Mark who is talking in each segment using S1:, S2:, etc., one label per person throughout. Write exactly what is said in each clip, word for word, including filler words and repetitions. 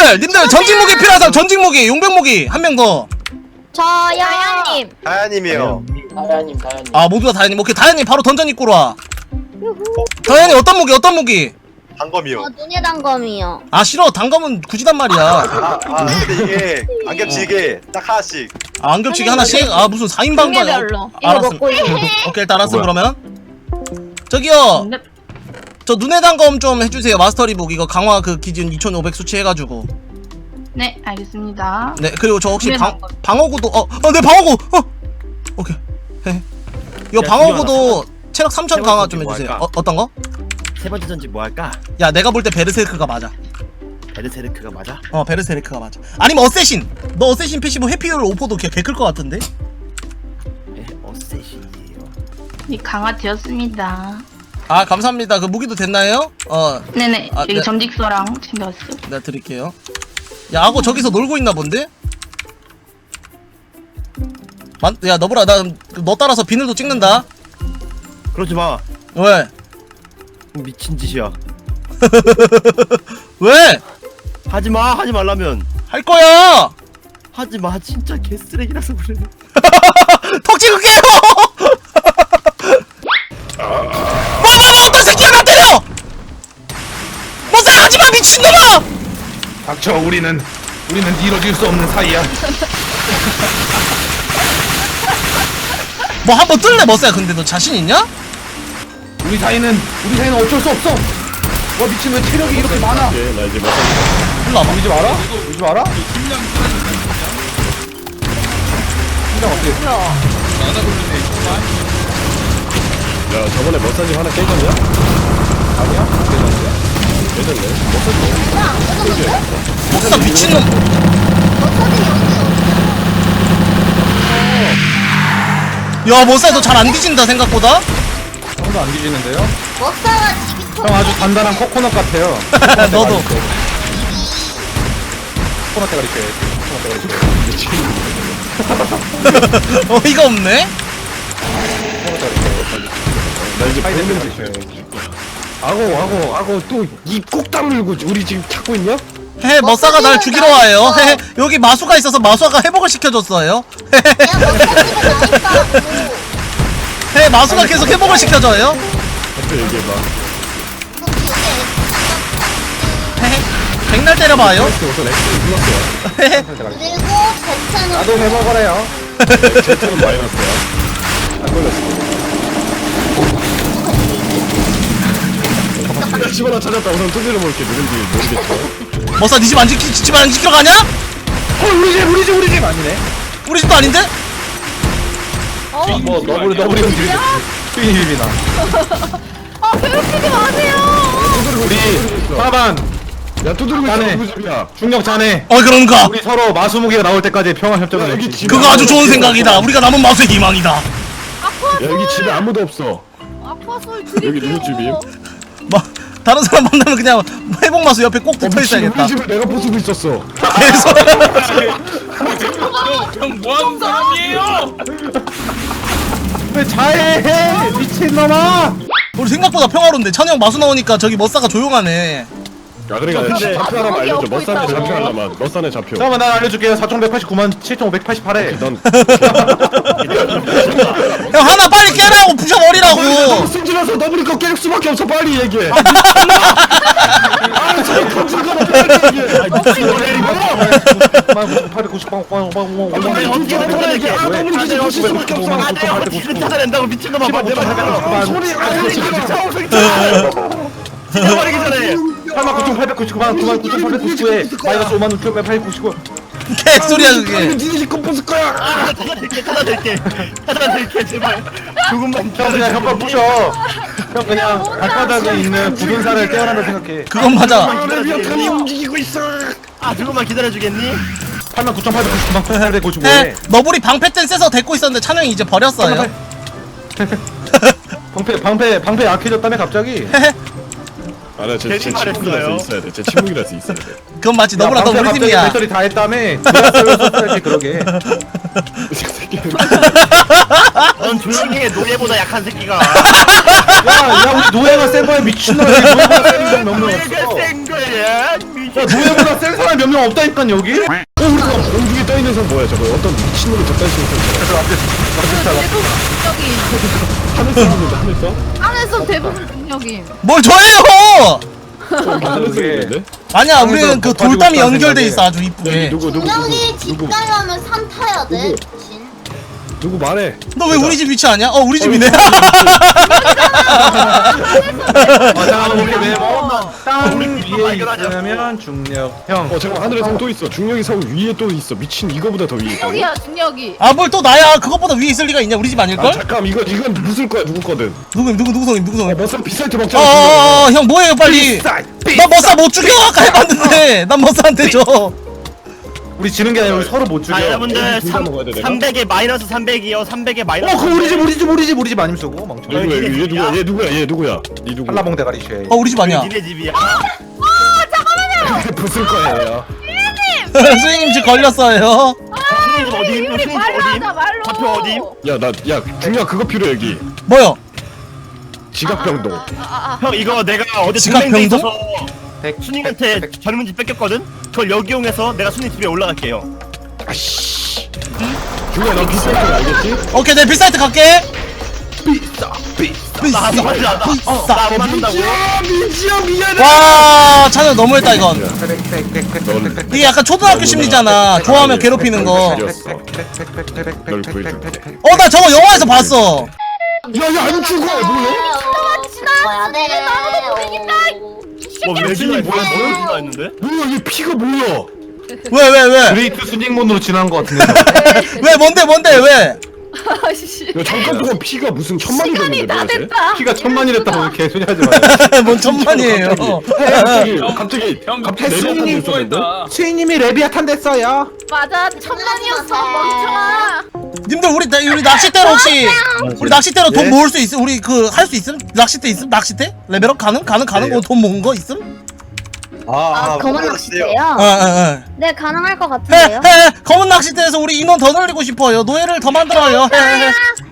S1: 님들 님들 전직 무기 필요한 사람 전직 무기 용병 무기 한 명 더.
S2: 저요. 다현님.
S3: 다현님이요.
S4: 다현님 다현님.
S1: 아 모두 다 다현님. 오케이 다현님 바로 던전 입구로 와. 다현님 어떤 무기 어떤 무기?
S3: 단검이요.
S2: 저 눈의 단검이요.
S1: 아 싫어 단검은 굳이단 말이야.
S3: 아, 아 근데 이게 안 겹치게 딱 하나씩.
S1: 아, 안 겹치게 하나씩? 아 무슨 사 인 방방.
S2: 종류별로. 이거
S1: 알았음.
S2: 먹고 있는.
S1: 오케이 일단 알았어
S5: 뭐야?
S1: 그러면. 저기요. 저 눈의 단검 좀 해주세요. 마스터 리북 이거 강화 그 기준 이천오백 수치 해가지고.
S6: 네, 알겠습니다.
S1: 네 그리고 저 혹시
S6: 눈의
S1: 방
S6: 단검.
S1: 방어구도 어어내 방어구 어 오케이. 헤. 이거
S5: 야,
S1: 방어구도 체력 삼천
S5: 세
S1: 강화
S5: 번째
S1: 좀
S5: 뭐
S1: 해주세요.
S5: 할까?
S1: 어 어떤 거?
S5: 세 번째 전지 뭐 할까?
S1: 야 내가 볼 때 베르세르크가 맞아.
S5: 베르세르크가 맞아?
S1: 어 베르세르크가 맞아. 아니면 어쌔신. 너 어쌔신 패시브 회피율 오퍼도 개클 것 같은데?
S5: 네, 어쌔신이에요.
S6: 네, 강화되었습니다.
S1: 아 감사합니다. 그 무기도 됐나요? 어
S6: 네네,
S1: 아,
S6: 여기
S1: 네.
S6: 점직소랑 챙겨왔어요.
S1: 내가 드릴게요. 야 악어 저기서 놀고 있나 본데? 만, 야 너보라 나 너 따라서 비늘도 찍는다.
S5: 그러지 마.
S1: 왜?
S5: 미친 짓이야.
S1: 왜?
S5: 하지 마. 하지 말라면.
S1: 할 거야.
S5: 하지 마. 진짜 개쓰레기라서 그래.
S1: 턱 찍을게요. 뭐뭐뭐 어떤 새끼야 나 때려. 뭐 생각하지 마 미친놈아.
S7: 닥쳐. 우리는 우리는 이뤄질 수 없는 사이야.
S1: 뭐 한번 뜰래 머싸야. 근데 너 자신 있냐?
S7: 우리 사이는 우리 사이는 어쩔 수 없어. 와 미친 왜 체력이 이렇게 많아?
S5: 예, 나 이제 뭐
S1: 일로 와봐.
S7: 우리 집 알아? 우리 집 알아? 심장 어떻게?
S5: 야, 저번에 머사지 하나 깨졌냐?
S7: 아니야? 괜찮은데?
S5: 깨졌네.
S2: 안 뜯었는데?
S1: 머싸 미친놈. 야 머싸야 너 잘 안 뒤진다 생각보다.
S7: 형도 안 뒤지는데요?
S2: 먹다가 집이
S7: 형 아주 단단한 코코넛 같아요.
S1: 너도.
S7: 코코넛 대가리 껴. 코코넛 대가리 껴.
S1: 어이가 없네.
S7: 코코넛 대가리 껴.
S5: 나 이제
S7: 파이
S5: 보면
S7: 냄새
S5: 돼.
S7: 아고 아고 아고 또 입 꼭 다물고 우리 지금 찾고 있냐?
S1: 헤 머싸가 날 죽이러 와요. 헤 여기 마수가 있어서 마수가 회복을 시켜줬어요. 헤 마수가 계속 회복을 시켜줘요.
S5: 앞에 얘기해봐.
S1: 헤헤 백날 때려봐요.
S5: 우선 X를 눌렀어요.
S1: 헤헤
S2: 그리고 제차는
S7: 나도 해먹어래요.
S5: Z는 마이너스야. 안 걸렸어. 야, 집어나 찾았다. 우선 두드려 볼게. 누군지 모르겠죠.
S1: 머싸 니 집 안 지키 집 안 지키러 가냐?
S7: 어 우리 집 우리 집 우리 집 아니네.
S1: 우리 집도 아닌데?
S7: 뭐 너구리 너구리 형들이 트윈입니다.
S2: 아 괴롭히지 마세요.
S7: 우리 사반
S5: 야, 두드리고
S7: 자네.
S5: 있어. 누구 집이야?
S7: 중력 자네.
S1: 어 그런가?
S7: 우리 서로 마수무기가 나올 때까지 평화 협정을
S5: 여기
S7: 맺지.
S5: 집-
S1: 그거 아주 좋은 생각이다. 우리가 남은 마수의 희망이다.
S5: 야, 여기 집에 아무도 없어.
S2: 아파서
S5: 여기 누구 집이에요?
S1: 마 다른 사람 만나면 그냥 회복 마수 옆에 꼭 붙어 있어야겠다.
S5: 우리 집을 내가 부수고 있었어.
S1: 계속.
S8: 형 뭐하는 사람이에요?
S7: 왜 자해해 미친놈아.
S1: 우리 생각보다 평화로운데 찬이 형 마수 나오니까 저기 머싸가 조용하네.
S5: 야, 그러니까 좌표 하나만 알려줘. 머산에 좌표 하나만. 머산에 좌표.
S7: 잠깐만 난 알려줄게요. 사천백팔십구만 칠천오백팔십팔 회.
S5: 넌
S1: 형 하나 빨리 깨라고 부셔버리라고.
S5: 승질나서 너블이 거 깨질 수밖에 없어. 빨리 얘기해. 아, 저기 건질거나 빨리 얘기해. 아, 빨리 언제 내가 얘기해. 아, 너블이 기지 거실 수밖에 없어. 아, 내가 어떻게 찾아낸다고 미친놈아. 봐, 내가 찾아낸다고. 소리 안 지르지. 죽여버리기 전에.
S7: 팔만 구천팔백구십구만 구만 구천팔백구십구에 마이너스 오만 육천팔백구십구.
S1: 개소리야 그게.
S5: 니네 집 컴포스 거야. 아,
S3: 찾아낼게 찾아낼게 찾아낼게 제발. 조금만
S7: 형 그냥 혀발 부셔. 형 그냥 발바닥에 있는 굳은 살을 떼어낸다 생각해.
S1: 그건 맞아.
S5: 레비아탄이 움직이고 있어.
S3: 아 조금만 기다려주겠니?
S7: 팔만 구천팔백구십구만
S1: 헤
S7: 구천팔백구십오에
S1: 너블이 방패 땐 쎄서 데리고 있었는데 찬이 형이 이제 버렸어요.
S7: 방패 방패 방패 약해졌다며 갑자기.
S5: 아, 나 제
S3: 괜히
S5: 친구라서
S3: 말했어요.
S5: 있어야 돼. 제 친구라서 있어야 돼.
S1: 그건 맞지. 너블아 너
S7: 방패
S1: 우리
S7: 갑자기
S1: 팀이야.
S7: 배터리 다 했다며. 썼어야지 그러게.
S5: 이 새끼.
S3: 넌 조용히 해. 노예보다 약한 새끼가.
S7: 야야 우리 노예가 센 거야 미친놈아. 노예가 센 놈 없는
S3: 노예가
S7: 없어.
S3: 센 거야 미친.
S7: 노예보다 센 사람 몇 명 없다니까 여기?
S5: 어 우리가 공중에 떠있는 선 뭐야 저거 어떤 미친놈이 저딴 식으로 저 앞에
S2: 대부분 중력임.
S5: 하늘색 있는데 하늘색?
S2: 안에서 대부분 중력임.
S1: 뭘 저예요?
S5: 하늘색 있는데?
S1: 아니야
S7: 하늘색
S1: 우리는 그
S7: 가지고
S1: 돌담이
S7: 있다는
S1: 연결돼
S7: 생각에.
S1: 있어 아주
S5: 여기
S1: 이쁘게.
S5: 누구 누구 누구
S2: 중력이 집
S5: 누구
S2: 가려면 산 타야 돼.
S5: 누구?
S2: 진.
S5: 누구 말해
S1: 너 왜 우리 집 위치 아니야? 어 우리 집이네.
S7: 잠깐만 우리 네모 땅
S3: 우리
S7: 위에
S3: 발견하자.
S7: 있으면 중력 형
S5: 어 잠깐 하늘에 성 또 있어 중력이 성 위에 또 있어 미친 이거보다 더 위에 있다고?
S2: 중력이야 중력이.
S1: 아 뭘 또 나야? 그것보다 위에 있을 리가 있냐? 우리 집
S5: 아
S1: 아닐걸?
S5: 잠깐 이거 이건 무슨 거야 누구 거든
S1: 누구 누구 누구 성임 누구 성임?
S5: 머싸 비쌀 때 먹잖아
S1: 어어어 형 뭐해요 빨리. 나 머싸 못 죽여 아까 해봤는데 난 머싸한테 줘.
S7: 우리 지는 게 아니라 우리 서로 못 죽여.
S3: 자 여러분들
S5: 둘다 먹어야 돼, 내가?
S3: 삼백에 마이너스 삼백이요 삼백에 마이너스
S7: 어, 그거 우리 집, 우리 집, 우리 집, 우리 집 아님 쓰고 멍청.
S5: 얘 누구야 얘 누구야 얘 누구야 얘 누구야 니 누구
S7: 한라봉 대가리 쉐.
S1: 어 우리 집 아니야.
S3: 니네 집이야
S5: 부술 거예요
S1: 선생님 집 걸렸어요.
S3: 수님 집 어디? 수님 집
S2: 말로
S3: 어디?
S2: 하자 말로.
S3: 좌표 어디?
S5: 야나야 중요한 그거 필요해 여기
S1: 뭐요?
S5: 지각병동
S2: 아아
S3: 형 이거 내가 어제
S1: 지각
S3: 동맹대
S1: 병동?
S3: 있어서
S7: 백,
S3: 수님한테
S7: 백, 백.
S3: 젊은 집 뺏겼거든? 그걸 여기 이용해서 내가 수님 집에 올라갈게요
S5: 아씨 중요한 너 비쌀 때 알겠지?
S1: 오케이 내 빌사이트 갈게.
S7: 비싸, 비싸.
S3: 나 안 맞는다 어, 나 안 맞는다고
S5: 아 민지야 미안해
S1: 와 찬우 너무했다 이건.
S7: 백, 백, 백, 백,
S5: 넌-
S7: 백, 백, 백.
S1: 이게 약간 초등학교 심리잖아. 좋아하면 괴롭히는 거.
S5: 널 구해줄게
S1: 어 나 저거 영화에서 봤어.
S5: 야야 안 죽어 뭐야?
S2: 지나야 돼. 나무도 못 이긴다.
S3: 뭐 외진이 뭐야 뭐야 진다 했는데?
S5: 뭐야 얘 피가 뭐야?
S1: 왜 왜 왜?
S7: 그레이트 순익문으로 지난 것 같은데.
S1: 왜 뭔데 뭔데 왜?
S2: 아씨.
S5: 야 잠깐 동안 피가 무슨 천만이
S2: 시간이
S5: 됐는데
S2: 다
S5: 뭐야 쟤?
S2: 됐다.
S7: 키가 천만이랬다고 왜 개소리 하지 마요.
S1: 뭔 천만이에요.
S5: 갑자기 갑자기
S8: 형
S5: 갑자기
S8: 패스님
S5: 내려가는 있었는데?
S8: 수고했다.
S7: 수인님이 레비아탄 됐어요.
S2: 맞아 천만이었어 멍청아.
S1: 님들 우리 나- 우리 낚싯대로 혹시 우리 낚싯대로 돈 모을 수 있음? 우리 그 할 수 있음? 낚싯대 있음? 낚싯대? 레벨업 가능? 가능 가능? 거 돈 모은 거 있음?
S4: 아, 검은 낚싯대요?
S1: 어어어.
S4: 네, 가능할 것
S1: 해,
S4: 같은데요?
S1: 해, 검은 낚싯대에서 우리 인원 더 늘리고 싶어요. 노예를 더 만들어요. 해, 해.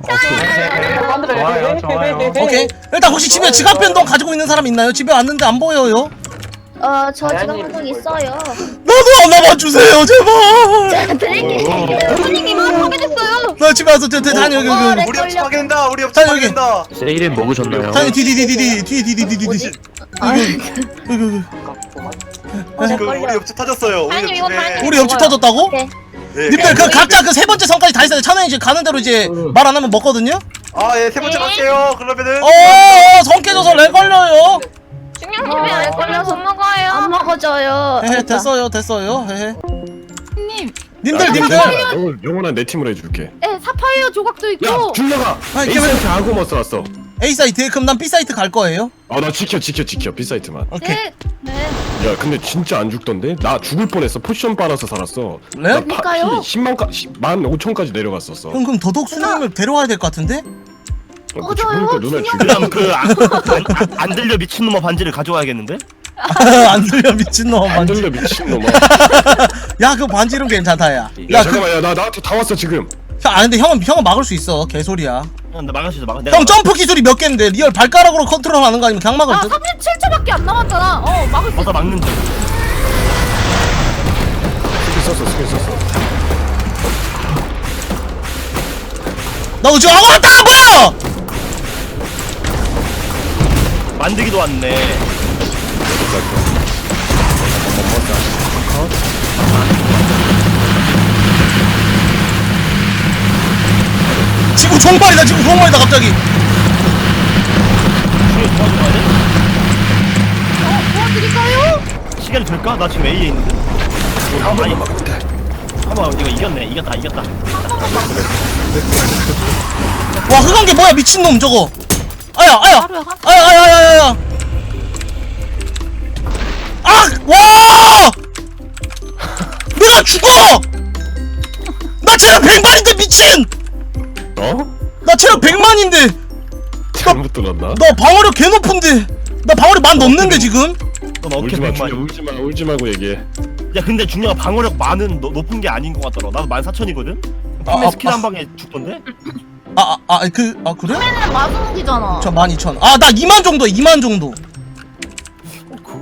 S7: 좋아요, 좋아요.
S1: 오케이. 일단 혹시 집에 지갑 변동 가지고 있는 사람 있나요? 집에 왔는데 안 보여요.
S4: 어, 저 지금 한적 있어요.
S1: 나도 하나만 주세요, 제발.
S4: 드릴게요.
S2: 선생님 하게 됐어요.
S1: 나 집에 와서 저, 저, 다니 여기
S4: 어,
S1: 여기.
S4: 네,
S1: 여기.
S4: 걸려.
S8: 파괴된다. 우리 옆집
S1: 자, 여기.
S8: 파괴된다.
S3: 세일은 먹으셨나요?
S1: 다니 뒤뒤뒤뒤뒤 뒤뒤뒤뒤뒤.
S4: 뭐지? 아,
S1: 여기 여기.
S4: 어, 네,
S8: 그 우리
S4: 걸려.
S8: 옆집 터졌어요. 우리
S2: 아니, 이거
S8: 옆집에.
S2: 다행히-
S1: 우리 옆집 터졌다고?
S4: 네.
S8: 네.
S1: 님들 그 각자 그 세 번째 선까지 다 있어요. 찬원이 이제 가는 대로 이제 말 안 하면 먹거든요.
S8: 아, 예, 세 번째 갈게요. 그러면은.
S1: 어, 성 깨져서 렉 걸려요.
S2: 중량님이 알 걸려서 먹어요.
S4: 안 먹어져요.
S1: 헤헤 됐어요 됐어요. 헤헤.
S2: 님.
S1: 님들 님들.
S5: 영원 영원한 내 팀으로 해줄게.
S2: 네 사파이어 조각도
S5: 야
S2: 있고.
S5: 줄려가.
S1: 아, 이게
S5: 에이스한테 아고 뭐 써왔어.
S1: A 사이트 그럼 난 B 사이트 갈 거예요.
S5: 아 나 지켜 지켜 지켜 B 사이트만.
S1: 오케이.
S2: 네. 네.
S5: 야 근데 진짜 안 죽던데? 나 죽을 뻔했어. 포션 빨아서 살았어.
S1: 네?
S5: 나 파-
S4: 그러니까요.
S5: 피 십만까지 만 오천까지 내려갔었어.
S1: 형 그럼 더덕 수님을 데려와야 될 것 같은데?
S5: 어, 죽으니까 눈알 죽여.
S3: 그다음 그안 안 들려 미친놈아 반지를 가져와야겠는데?
S1: 안 들려 미친놈
S5: 안
S1: 반지.
S5: 들려 미친놈아.
S1: 야 그 반지름 괜찮다 야.
S5: 야
S1: 야 그.
S5: 잠깐만 야나 나한테 다 왔어 지금.
S1: 형, 아 근데 형은 형은 막을 수 있어. 개소리야.
S3: 형, 나 막을 수 있어 막아 내가
S1: 형 점프 기술이 몇 개인데 리얼 발가락으로 컨트롤하는 거 아니면 그냥 막을
S2: 아
S1: 듯?
S2: 삼십칠 초밖에 안 남았잖아. 어 막을 수 있어.
S3: 벗어 막는 중
S5: 스킬 썼어 스킬 썼어.
S1: 나 지금 아무 왔다 뭐야?
S3: 만들기도 왔네
S1: 지금 종말이다 지금 종말이다 갑자기.
S3: 중에 도와줘야 돼?
S2: 어 도와드릴까요?
S3: 시간이 될까? 나 지금 A에 있는데 아니 한번 이거 이겼네 이겼다 이겼다
S1: 와 흑한게 뭐야 미친놈 저거. 아야 아야
S2: 하루에 한.
S1: 아야 아야 아야 아야. 아! 와! 내가 죽어! 나 체력 백만인데 미친!
S5: 어?
S1: 나 체력 백만인데
S5: 잘못 들었나?
S1: 나 방어력 개 높은데 나 방어력 만 넘는데 지금?
S3: 넌 어깨
S5: 울지마
S3: 백만
S5: 울지마 울지 말고 얘기해.
S3: 야 근데 중요한 방어력 많은 너, 높은 게 아닌 것 같더라 나도 만 사천이거든?
S1: 아,
S3: 근데
S1: 아,
S3: 스킬
S1: 아.
S3: 한 방에 죽던데?
S1: 아 아 아 그 아 그래?
S2: 맨날 마수무기잖아.
S1: 저 만 이천. 아 나 이만 정도 이만 정도.
S3: 어,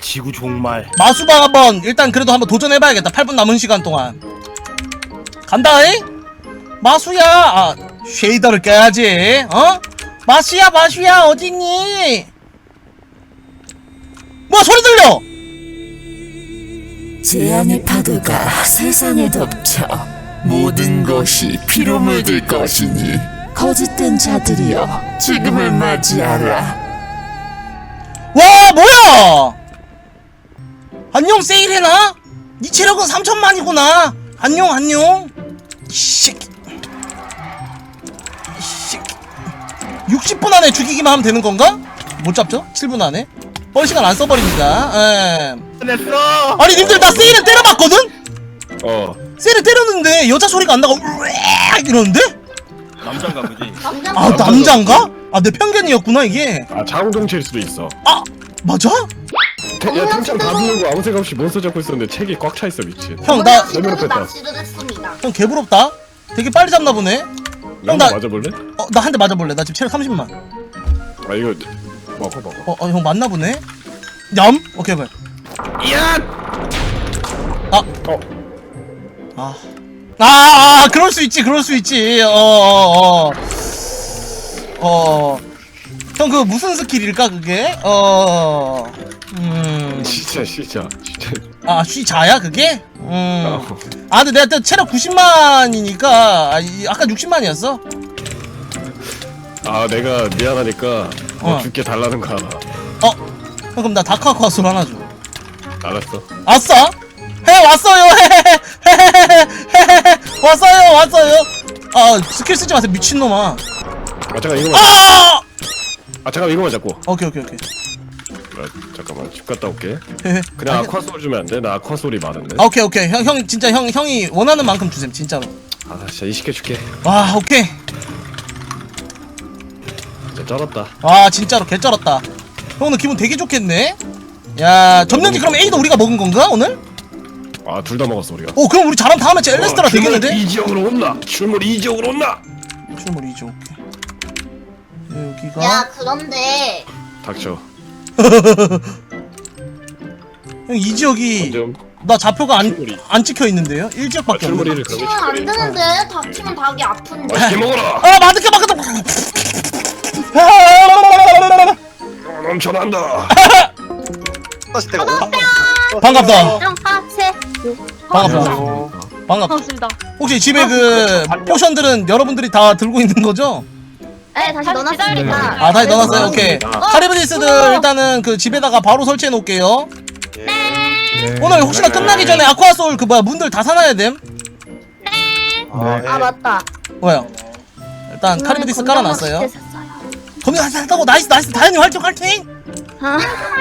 S3: 지구 종말.
S1: 마수방 한번 일단 그래도 한번 도전해봐야겠다. 팔 분 남은 시간 동안 간다잉? 마수야. 아 쉐이더를 껴야지. 어? 마수야 마수야 어딨니? 뭐야 소리 들려?
S9: 재앙의 파도가 세상을 덮쳐 모든 것이 피로 물들 것이니 거짓된 자들이여 지금을 맞이하라.
S1: 와 뭐야? 안녕 세일해나? 니 체력은 삼천만이구나. 안녕 안녕. 이씨. 이씨. 육십 분 안에 죽이기만 하면 되는 건가? 못 잡죠? 칠 분 안에. 뻘 시간 안 써버립니다. 에.
S3: 됐어.
S1: 아니 님들 나 세일을 때려봤거든?
S5: 어
S1: 세일을 때렸는데 여자 소리가 안 나고 으악 이러는데?
S3: 남잔가 보지.
S1: 아 남잔가? 아 내 편견이었구나 이게.
S5: 아 자웅동체일 수도 있어.
S1: 아 맞아?
S5: 태, 야 탱창 다 부르고 아무 생각 없이 몬스터 잡고 있었는데 책이 꽉 차 있어 미친.
S1: 형 나 형
S5: 레벨업 했다.
S1: 개부럽다. 되게 빨리 잡나 보네. 형 나
S5: 맞아볼래?
S1: 어, 나 한 대 맞아볼래. 나 지금 체력 삼십만.
S5: 아 이거 먹어 먹어.
S1: 어, 어, 형 맞나 보네. 얌? 오케이, 오케이.
S3: 야.
S1: 아,
S5: 어.
S1: 아, 아, 아, 그럴 수 있지, 그럴 수 있지. 어, 어, 어. 어. 형, 그 무슨 스킬일까, 그게? 어, 음.
S5: 진짜 진짜 진짜.
S1: 아, 쉬자야, 그게? 음.
S5: 어.
S1: 아, 근데 내가 또 체력 구십만이니까, 아, 이- 아까 육십만이었어?
S5: 아 내가 미안하니까 뭐
S1: 어.
S5: 줄게 달라는 거 알아.
S1: 어. 형, 그럼 나 다크아쿠아술 하나 줘.
S5: 알았어.
S1: 아싸! 해 왔어요! 헤헤헤헤헤헤헤헤 왔어요! 왔어요! 아 스킬 쓰지 마세요 미친놈아.
S5: 아 잠깐 이거만.
S1: 아!
S5: 아 잠깐 이거만 잡고.
S1: 오케이 오케이 오케이.
S5: 아, 잠깐만 집 갔다 올게.
S1: 헤헤.
S5: 그냥
S1: 아,
S5: 아쿠아 소리 주면 안 돼? 나 아쿠아 소리 많은데.
S1: 아 오케이 오케이 형, 형 진짜 형 형이 원하는 만큼 주셈 진짜로.
S5: 아 진짜 이십 개 줄게.
S1: 와 오케이.
S5: 진짜 쩔었다.
S1: 와 진짜로 개쩔었다. 형 오늘 기분 되게 좋겠네. 야 점령지 그럼 A도 우리가 먹은 건가 오늘?
S5: 아 둘 다 먹었어 우리가.
S1: 오 그럼 우리 잘하면 다음에 엘레스트라 되겠는데?
S5: 이 지역으로 온나? 출몰 이 지역으로 온나?
S1: 출몰 이죠 오케이. 여기가
S4: 야 그런데
S5: 닥쳐.
S1: 형 이 지역이
S5: 좀.
S1: 나 좌표가 안,
S5: 출몰이.
S1: 안 찍혀 있는데요? 일
S5: 아,
S1: 지역밖에 없네.
S5: 출몰이를 그러면
S4: 닥치면 안
S5: 시켜야
S4: 되는데 닥치면 닭이 아픈데
S5: 맛있게 먹어라.
S1: 아 맛있게 먹겠다.
S5: 어, 넘쳐난다.
S8: 다시 때가
S1: 반갑다.
S4: 하세
S1: 반갑다. 반갑다.
S2: 반갑습니다.
S1: 혹시 집에 그 포션들은 여러분들이 다 들고 있는 거죠?
S4: 네 다시
S2: 다시
S4: 넣어놨습니다
S2: 기다리고
S1: 아 다시 넣어놨어요. 오케이. 카리브디스들 일단은 그 집에다가 바로 설치해 놓을게요. 오늘 혹시나 끝나기 전에 아쿠아소울 그 뭐야 문들 다 사놔야 됨.
S4: 아 맞다
S1: 뭐야? 일단 카리브디스 깔아놨어요.
S4: 건강 맛있게 샀어요.
S1: 검역 하다고 나이스 나이스 다현님 활동 화이팅!
S4: 아.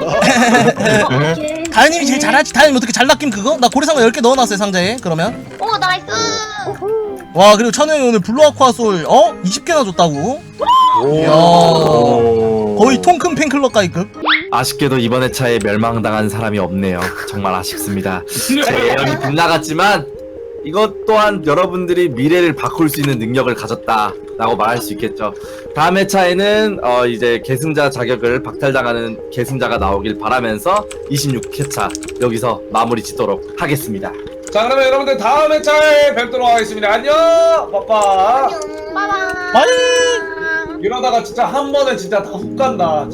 S4: 오케이.
S1: 다현님이 제일 잘하지. 다현님 어떻게 잘 낚임 그거? 나 고래상어 열 개 넣어놨어요 상자에. 그러면
S4: 오 나이스
S1: 와 그리고 찬우 형이 오늘 블루 아쿠아소울 어? 이십 개나 줬다고? 이야 거의 통큰 팬클럽가이급.
S10: 아쉽게도 이번 회차에 멸망당한 사람이 없네요. 정말 아쉽습니다. 제 예언이 빗나갔지만 이것 또한 여러분들이 미래를 바꿀 수 있는 능력을 가졌다라고 말할 수 있겠죠. 다음 회차에는 어 이제 계승자 자격을 박탈당하는 계승자가 나오길 바라면서 이십육 회차 여기서 마무리 짓도록 하겠습니다.
S7: 자 그러면 여러분들 다음 회차에 뵙도록 하겠습니다. 안녕 빠빠.
S4: 빠바
S1: 빠이.
S7: 이러다가 진짜 한 번에 진짜 다 훅 간다.